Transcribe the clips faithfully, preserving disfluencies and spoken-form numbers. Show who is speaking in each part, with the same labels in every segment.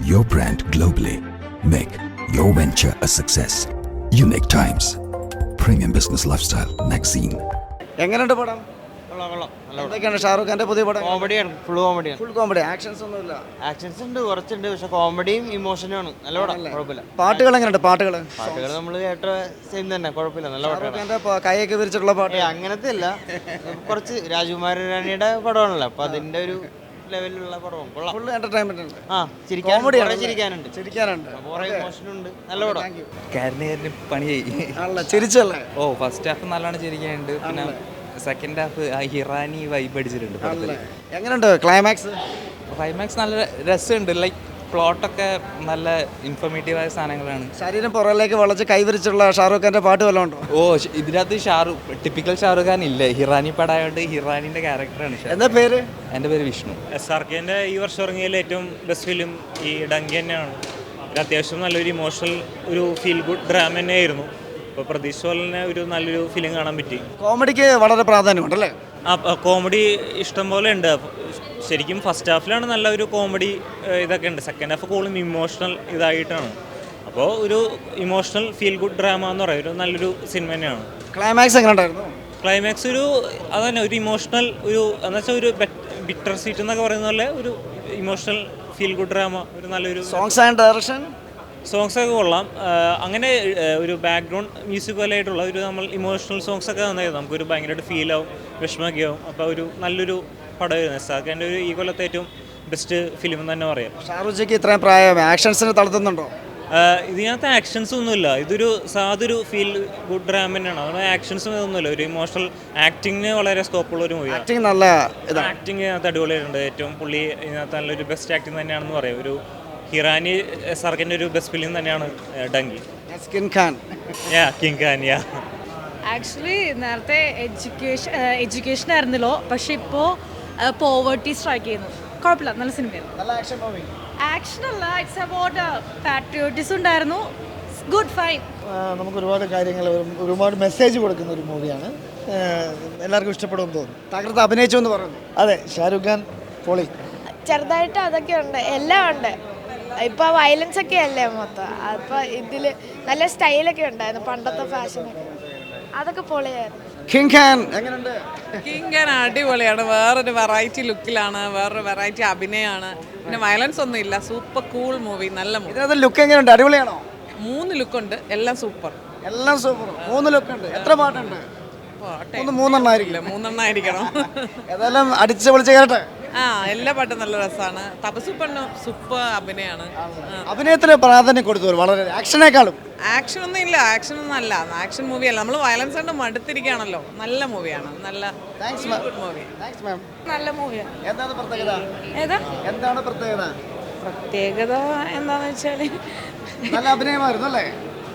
Speaker 1: your brand globally. Make your venture a success. Unique Times, Premium Business Lifestyle Magazine.
Speaker 2: എങ്ങനെയുണ്ട് പടം?
Speaker 3: കൊള്ളാം കൊള്ളാം നല്ല
Speaker 2: എന്തൊക്കെയാണ് ഷാറുഖ് ഖാന്റെ പുതിയ പടം?
Speaker 3: കോമഡിയാണ്, ഫുൾ കോമഡിയാണ്.
Speaker 2: ഫുൾ കോമഡി, ആക്ഷൻസ് ഒന്നുമില്ല.
Speaker 3: ആക്ഷൻസ് ഉണ്ട്, കുറച്ചുണ്ട്, പക്ഷെ കോമഡിയും ഇമോഷനും ആണ്. നല്ല പടം, കുഴപ്പമില്ല.
Speaker 2: പാട്ടുകൾ എങ്ങനെയുണ്ട്? പാട്ടുകൾ
Speaker 3: പാട്ടുകൾ നമ്മൾ കേട്ട സെയിം തന്നെ, കുഴപ്പമില്ല, നല്ല
Speaker 2: ഷാറുഖ്
Speaker 3: പാട്ടാണ്.
Speaker 2: ഖാന്റെ പ- കൈയൊക്കെ വിരിച്ചിട്ടുള്ള പാട്ട്.
Speaker 3: ഏ അങ്ങനത്തെ അല്ല, കുറച്ച് രാജകുമാര റാണിയുടെ പടമാണല്ലോ, അപ്പൊ അതിന്റെ ഒരു ലെവലിലുള്ള പടവും കൊള്ളാം.
Speaker 2: ഫുൾ എന്റർടൈൻമെന്റ് ഉണ്ട്.
Speaker 3: ആ ചിരിക്കാൻ,
Speaker 2: Comedy
Speaker 3: കുറേ
Speaker 2: ആണ്.
Speaker 3: ചിരിക്കാനുണ്ട്,
Speaker 2: ചിരിക്കാനുണ്ട്.
Speaker 3: കുറെ ഇമോഷൻ ഉണ്ട്, നല്ല പടം.
Speaker 4: കാരന് കാരന് പണിയായി.
Speaker 2: ആണല്ലേ, ചിരിച്ചല്ലേ?
Speaker 4: ഓ ഫസ്റ്റ് ഹാഫ് നല്ലോണം ചിരിക്കാനുണ്ട്. പിന്നെ സെക്കൻഡ് ഹാഫ് ആ ഹിറാനി വൈബ് അടിച്ചിട്ടുണ്ട് പടത്തില്.
Speaker 2: എങ്ങനെയുണ്ട് ക്ലൈമാക്സ്?
Speaker 4: ക്ലൈമാക്സ് നല്ല രസമുണ്ട്. ലൈക്ക് പ്ലോട്ടൊക്കെ നല്ല ഇൻഫോർമേറ്റീവ് ആയ സാധനങ്ങളാണ്.
Speaker 2: ശരീരം പുറകിലേക്ക് വളച്ച് കൈവരിച്ചുള്ള ഷാറുഖ് ഖാന്റെ പാട്ട് വല്ലതും ഉണ്ടോ?
Speaker 4: ഓ ഷ്- ഇതിനകത്ത് ഷാറൂഖ് ടിപ്പിക്കൽ ഷാറുഖ് ഖാൻ ഇല്ല, ഹിറാനി പടായോണ്ട് ഹിറാനിന്റെ ക്യാരക്ടറാണ്.
Speaker 2: എന്താ പേര്?
Speaker 4: എൻ്റെ പേര് വിഷ്ണു.
Speaker 5: എസ് ആർ കെൻ്റെ ഈ വർഷം ഇറങ്ങിയതിൽ ഏറ്റവും ബെസ്റ്റ് ഫിലിം ഈ ഡങ്കി തന്നെയാണ്. ഇത് അത്യാവശ്യം നല്ലൊരു ഇമോഷണൽ ഒരു ഫീൽ ഗുഡ് ഡ്രാമ തന്നെയായിരുന്നു. അപ്പോൾ പ്രതീക്ഷ പോലെ തന്നെ ഒരു നല്ലൊരു ഫിലിം കാണാൻ പറ്റി.
Speaker 2: കോമഡിക്ക് വളരെ പ്രാധാന്യമുണ്ടല്ലേ?
Speaker 5: ആ കോമഡി ഇഷ്ടം പോലെ ഉണ്ട്. ശരിക്കും ഫസ്റ്റ് ഹാഫിലാണ് നല്ല ഒരു കോമഡി ഇതൊക്കെ ഉണ്ട്. സെക്കൻഡ് ഹാഫ് കൂടുതലും ഇമോഷണൽ ഇതായിട്ടാണ്. അപ്പോൾ ഒരു ഇമോഷണൽ ഫീൽ ഗുഡ് ഡ്രാമ എന്ന് പറയുന്നത് ഒരു നല്ലൊരു സിനിമ തന്നെയാണ്.
Speaker 2: ക്ലൈമാക്സ് എങ്ങനെ ഉണ്ടായിരുന്നു?
Speaker 5: ക്ലൈമാക്സ് ഒരു അതന്നെ ഒരു ഇമോഷണൽ ഒരു എന്ന് വെച്ചാൽ ഒരു ബിറ്റർ സീറ്റ് എന്നൊക്കെ പറയുന്ന പോലെ ഒരു ഇമോഷണൽ ഫീൽ ഗുഡ് ഡ്രാമ, ഒരു നല്ലൊരു
Speaker 2: സോങ്സ് ആൻഡ് ഡയറക്ഷൻ
Speaker 5: സോങ്സ് ഒക്കെ കൊള്ളാം. അങ്ങനെ ഒരു ബാക്ക്ഗ്രൗണ്ട് മ്യൂസിക് പോലെ ആയിട്ടുള്ള ഒരു നമ്മൾ ഇമോഷണൽ സോങ്സ് ഒക്കെ നന്നായിരുന്നു. നമുക്കൊരു ഭയങ്കരമായിട്ട് ഫീൽ ആവും, വിഷമമൊക്കെ ആവും. അപ്പോൾ ഒരു നല്ലൊരു പടമായിരുന്നു. സാഖിൻ്റെ ഒരു ഈ കൊല്ലത്തെ ഏറ്റവും ബെസ്റ്റ് ഫിലിം എന്ന് തന്നെ പറയാം.
Speaker 2: ഷാറുഖ് ജിക്ക് ഇത്രയും പ്രായം ആക്ഷൻസിന് തളർത്തുന്നുണ്ടോ?
Speaker 5: ഇതിനകത്ത് ആക്ഷൻസ് ഒന്നുമില്ല. ഇതൊരു സാധൊരു ഫീൽ ഗുഡ് ഡ്രാമ തന്നെയാണ്. അതുകൊണ്ട് ആക്ഷൻസ് ഒന്നുമില്ല. ഒരു ഇമോഷണൽ ആക്ടിങ്ങിന് വളരെ സ്കോപ്പുള്ള ഒരു മൂവിയാണ്.
Speaker 2: ആക്ടിങ് നല്ല ഇതാണ്.
Speaker 5: ആക്ടിങ് ഇതിനകത്ത് അടിപൊളിയായിട്ടുണ്ട്. ഏറ്റവും പുള്ളി ഇതിനകത്ത് നല്ലൊരു ബെസ്റ്റ് ആക്ടിങ് തന്നെയാണെന്ന് പറയാം. ഒരു ഹിറാനി സർക്കിൻ്റെ ഒരു ബെസ്റ്റ് ഫിലിം തന്നെയാണ് ഡങ്കി.
Speaker 2: സ്കിൻ ഖാൻ
Speaker 5: യാ കിങ് ഖാൻ യാ
Speaker 6: ആക്ച്വലി നേരത്തെ എഡ്യൂക്കേഷൻ എഡ്യൂക്കേഷൻ ആയിരുന്നല്ലോ, പക്ഷെ ഇപ്പോൾ പോവേർട്ടി സ്ട്രൈക്ക് ചെയ്യുന്നു. കുഴപ്പമില്ല, നല്ല സിനിമയായിരുന്നു.
Speaker 2: നല്ല ആക്ഷൻ മൂവി.
Speaker 6: ആക്ഷൻ അല്ല, ഇറ്റ്സ് അബൌട്ട് പാട്രിയോട്ടിസം ഉണ്ടായിരുന്നു. Good fine.
Speaker 7: നമുക്ക് ഒരുപാട് കാര്യങ്ങൾ, ഒരുപാട് മെസ്സേജ് കൊടുക്കുന്ന ഒരു മൂവിയാണ്. എല്ലാവർക്കും ഇഷ്ടപ്പെടുമെന്ന് തോന്നുന്നു.
Speaker 2: തകർത്ത് അഭിനയിച്ചു എന്ന് പറയുന്നു.
Speaker 7: അതെ, ഷാരൂഖ് ഖാൻ പൊളി.
Speaker 8: ചെറുതായിട്ട് അതൊക്കെ ഉണ്ട്, എല്ലാം ഉണ്ട്. ഇപ്പോൾ വയലൻസ് ഒക്കെ അല്ലേ മൊത്തം. അപ്പോൾ ഇതിൽ നല്ല സ്റ്റൈലൊക്കെ ഉണ്ടായിരുന്നു, പണ്ടത്തെ ഫാഷനൊക്കെ, അതൊക്കെ പൊളിയായിരുന്നു.
Speaker 2: കിങ് ഖാൻ എങ്ങനെയുണ്ട്?
Speaker 9: കിങ് ഖാൻ അടിപൊളിയാണ്. വേറൊരു വെറൈറ്റി ലുക്കിലാണ്, വേറൊരു വെറൈറ്റി അഭിനയമാണ്. പിന്നെ വയലൻസ് ഒന്നും ഇല്ല. സൂപ്പർ കൂൾ മൂവി, നല്ല മൂവി.
Speaker 2: ഇതിനകത്ത് ലുക്ക് എങ്ങനെയുണ്ട്? അടിപൊളിയാണോ?
Speaker 9: മൂന്ന് ലുക്കുണ്ട്, എല്ലാം സൂപ്പർ.
Speaker 2: എല്ലാം സൂപ്പർ. മൂന്ന് ലുക്ക് ഉണ്ട്. എത്ര പാട്ടുണ്ട്? മൂന്ന് മൂന്നെണ്ണം ആയിരിക്കില്ല,
Speaker 9: മൂന്നെണ്ണം ആയിരിക്കണം.
Speaker 2: ഏതായാലും അടിച്ച് പൊളിച്ച് കേട്ടെ.
Speaker 9: ആ എല്ലാ പാട്ടും നല്ല രസമാണ്. തപസൂപ്പറിനും സൂപ്പർ അഭിനയമാണ്.
Speaker 2: അഭിനയത്തിന് പ്രാധാന്യം കൊടുത്തു വളരെ, ആക്ഷനേക്കാളും.
Speaker 9: ആക്ഷൻ ഒന്നും ഇല്ല, ആക്ഷൻ ഒന്നും അല്ല, ആക്ഷൻ മൂവി അല്ല. നമ്മൾ വയലൻസ് കൊണ്ട് മടുത്തിരിക്കുകയാണല്ലോ. നല്ല മൂവിയാണ്, നല്ല ഗുഡ് മൂവി.
Speaker 2: Thanks ma'am.
Speaker 6: നല്ല മൂവിയാണ്.
Speaker 2: എന്താണ് പ്രത്യേകത?
Speaker 6: ഏതാ
Speaker 2: എന്താണ് പ്രത്യേകത?
Speaker 6: പ്രത്യേകത എന്താന്ന് വെച്ചാല്
Speaker 2: നല്ല അഭിനയമായിരുന്നു അല്ലേ?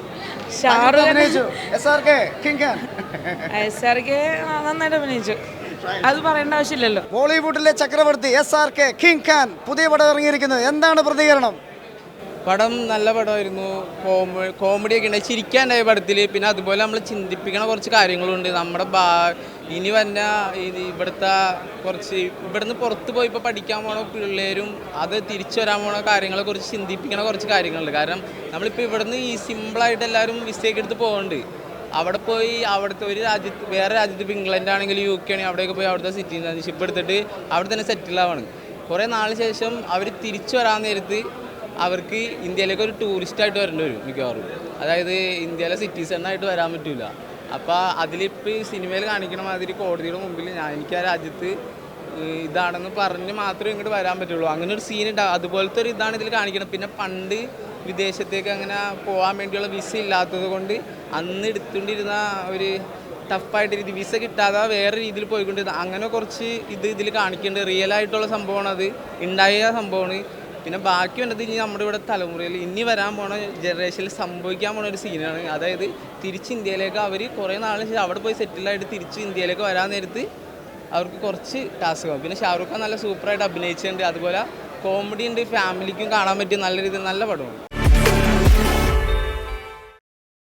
Speaker 6: ഷാറുഖ്
Speaker 2: അഭിനയിച്ചു. S R K king Khan
Speaker 6: S R K നന്നായിട്ട് അഭിനയിച്ചു, അത് പറയേണ്ട ആവശ്യമില്ലല്ലോ.
Speaker 2: ബോളിവുഡിലെ ചക്രവർത്തി S R K king Khan പുതിയ പടം ഇറങ്ങിയിരിക്കുന്നത്. എന്താണ് പ്രതികരണം?
Speaker 10: പടം നല്ല പടമായിരുന്നു. കോമഡി കോമഡിയൊക്കെ ഉണ്ട്, ചിരിക്കാണ്ടായ പടത്തിൽ. പിന്നെ അതുപോലെ നമ്മൾ ചിന്തിപ്പിക്കണ കുറച്ച് കാര്യങ്ങളുണ്ട്. നമ്മുടെ ബാ ഇനി വന്ന ഇത് ഇവിടുത്തെ കുറച്ച് ഇവിടുന്ന് പുറത്ത് പോയി ഇപ്പോൾ പഠിക്കാൻ പോണ പിള്ളേരും അത് തിരിച്ചു വരാൻ പോണ കാര്യങ്ങളെ കുറിച്ച് ചിന്തിപ്പിക്കണ കുറച്ച് കാര്യങ്ങളുണ്ട്. കാരണം നമ്മളിപ്പോൾ ഇവിടുന്ന് ഈ സിമ്പിളായിട്ട് എല്ലാവരും മിസ്റ്റേക്ക് എടുത്ത് പോകുന്നുണ്ട്. അവിടെ പോയി അവിടുത്തെ ഒരു രാജ്യത്ത് വേറെ രാജ്യത്ത് ഇപ്പോൾ ഇംഗ്ലണ്ട് ആണെങ്കിലും യു കെ ആണെങ്കിൽ അവിടെയൊക്കെ പോയി അവിടുത്തെ സിറ്റിസൺഷിപ്പ് എടുത്തിട്ട് അവിടെ തന്നെ സെറ്റിൽ ആവാണ്. കുറേ നാളിന് ശേഷം അവർ തിരിച്ചു വരാൻ നേരത്ത് അവർക്ക് ഇന്ത്യയിലേക്ക് ഒരു ടൂറിസ്റ്റായിട്ട് വരേണ്ടി വരും മിക്കവാറും. അതായത് ഇന്ത്യയിലെ സിറ്റിസണായിട്ട് വരാൻ പറ്റില്ല. അപ്പോൾ അതിലിപ്പോൾ ഈ സിനിമയിൽ കാണിക്കണ മാതിരി കോടതിയുടെ മുമ്പിൽ ഞാൻ എനിക്ക് ആ രാജ്യത്ത് ഇതാണെന്ന് പറഞ്ഞ് മാത്രമേ ഇങ്ങോട്ട് വരാൻ പറ്റുള്ളൂ. അങ്ങനെ ഒരു സീൻ ഉണ്ടാകും. അതുപോലത്തെ ഒരു ഇതാണ് ഇതിൽ കാണിക്കണം. പിന്നെ പണ്ട് വിദേശത്തേക്ക് അങ്ങനെ പോകാൻ വേണ്ടിയുള്ള വിസ ഇല്ലാത്തത് കൊണ്ട് അന്ന് എടുത്തുകൊണ്ടിരുന്ന ഒരു ടഫായിട്ട് രീതി വിസ കിട്ടാതെ വേറെ രീതിയിൽ പോയിക്കൊണ്ടിരുന്ന അങ്ങനെ കുറച്ച് ഇത് ഇതിൽ കാണിക്കേണ്ടത് റിയൽ ആയിട്ടുള്ള സംഭവമാണ്. അത് ഉണ്ടായ സംഭവമാണ്. പിന്നെ ബാക്കി വന്നത് ഇനി നമ്മുടെ ഇവിടെ തലമുറയിൽ ഇനി വരാൻ പോണ ജനറേഷനിൽ സംഭവിക്കാൻ പോണ ഒരു സീനാണ്. അതായത് തിരിച്ച് ഇന്ത്യയിലേക്ക് അവർ കുറേ നാളിന് ശേഷം അവിടെ പോയി സെറ്റിലായിട്ട് തിരിച്ച് ഇന്ത്യയിലേക്ക് വരാൻ നേരത്ത് അവർക്ക് കുറച്ച് ടാസ്ക് ആവും. പിന്നെ ഷാറൂഖ് ഖാൻ നല്ല സൂപ്പറായിട്ട് അഭിനയിച്ചിട്ടുണ്ട്. അതുപോലെ കോമഡി ഉണ്ട്, ഫാമിലിക്കും കാണാൻ പറ്റിയ നല്ല രീതിയിൽ നല്ല പടമാണ്.